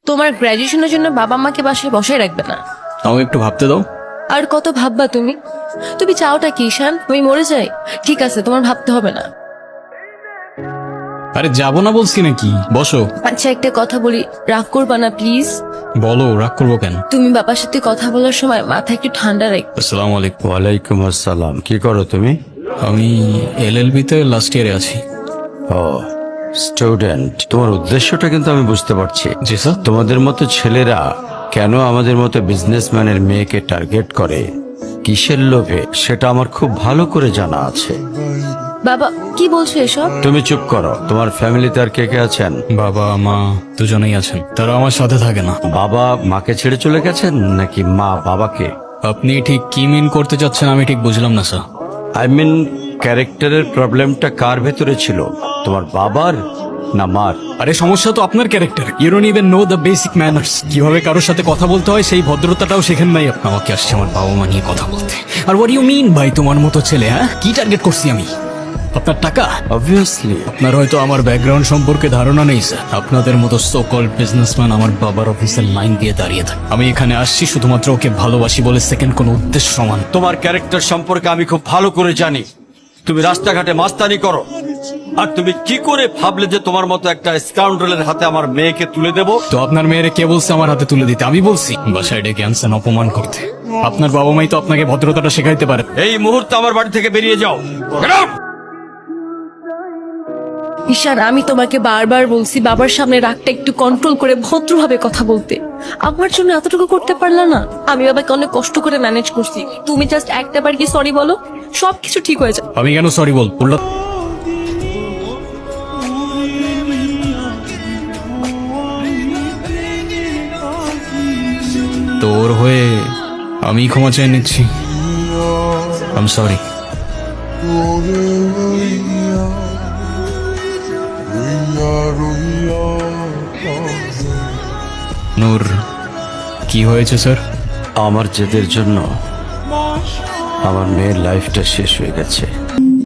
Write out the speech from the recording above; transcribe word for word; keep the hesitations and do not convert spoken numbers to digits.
তোমার গ্র্যাজুয়েশনের জন্য বাবা মাকে বাসায় বসায় রাখবে না। আমাকে একটু ভাবতে দাও। আর কত ভাববা তুমি? তুমি চাওটা কি ঈশান? তুমি মরে যাই? ঠিক আছে, তোমার ভাবতে হবে না। আরে যাবো না বলছি নাকি, বসো। আচ্ছা একটা কথা বলি, রাগ করবা না প্লিজ। বলো, রাগ করবো কেন? তুমি বাবার সাথে কথা বলার সময় মাথা একটু ঠান্ডা রাখবে। আসসালামু আলাইকুম। ওয়ালাইকুম আসসালাম। কি করো তুমি? আমি এল এল বি তে লাস্ট ইয়ারে আছি। ও স্টুডেন্ট, তোমার উদ্দেশ্যটা কিন্তু আমি বুঝতে পারছি। জি স্যার। তোমাদের মতো ছেলেরা কেন আমাদের মতো বিজনেসম্যানের মেয়েকে টার্গেট করে, কিসের লোভে, সেটা আমার খুব ভালো করে জানা আছে। বাবা কি বলছো এসব? তুমি চুপ করো। তোমার ফ্যামিলিতে আর কে কে আছেন? বাবা মা দুজনেই আছেন, তারা আমার সাথে থাকে না। বাবা মাকে ছেড়ে চলে গেছেন নাকি মা বাবাকে? আপনি ঠিক কি মিন করতে চাচ্ছেন আমি ঠিক বুঝলাম না স্যার। আই মিন ক্যারেক্টারের প্রবলেমটা কার ভেতরে ছিল, তোমার বাবার না মার? আরে সমস্যা তো আপনার character. You don't even know the basic manners. কিভাবে কারোর সাথে কথা বলতে হয় সেই ভদ্রতাটাও শেখেন নাই। আপনি আমাকে আসছে আমার বাবা মা নিয়ে কথা বলতে। আর হোয়াট ইউ মিন ভাই, তোমার মতো ছেলে? হ্যাঁ, কি টার্গেট করছি আমি? আপনার টাকা? অবভিয়াসলি। আপনার হয়তো আমার ব্যাকগ্রাউন্ড সম্পর্কে ধারণা নেই স্যার। আপনাদের মতো সো কল্ড বিজনেসম্যান আমার বাবার অফিসের লাইন দিয়ে দাঁড়িয়ে থাকে। আমি এখানে আসছি শুধুমাত্র ওকে ভালোবাসি বলে, সেকেন্ড কোনো উদ্দেশ্য সমান। তোমার ক্যারেক্টার সম্পর্কে আমি খুব ভালো করে জানি। তুমি রাস্তাঘাটে মাস্তানি করো, আর তুমি কি করে ভাবলে যে তোমার মতো একটা স্কাউন্ডারের হাতে আমার মেয়েকে তুলে দেব? তো আপনার মেয়েরে কে বলছে আমার হাতে তুলে দিতে? আমি বলছি বাসায় ডেকে আনছেন অপমান করতে। আপনার বাবা মাই তো আপনাকে ভদ্রতাটা শেখাইতে পারে। এই মুহূর্তে আমার বাড়ি থেকে বেরিয়ে যাও। Get out! ঈশান আমি তোমাকে বারবার বলছি বাবার সামনে রাগটা একটু কন্ট্রোল করে ভদ্রভাবে কথা বলতে। আমার জন্য এতটুকু করতে পারলা না? আমি বাবাকে অনেক কষ্ট করে ম্যানেজ করছি। তুমি জাস্ট একটা বার কি সরি বলো, সবকিছু ঠিক হয়ে যাবে। আমি কেন সরি বল বললো? তোর হয়ে আমি ক্ষমা চেয়ে নিচ্ছি। I am sorry. নূর, কি হয়েছে স্যার? আমার জেদের জন্য আমার মেয়ের লাইফটা শেষ হয়ে গেছে।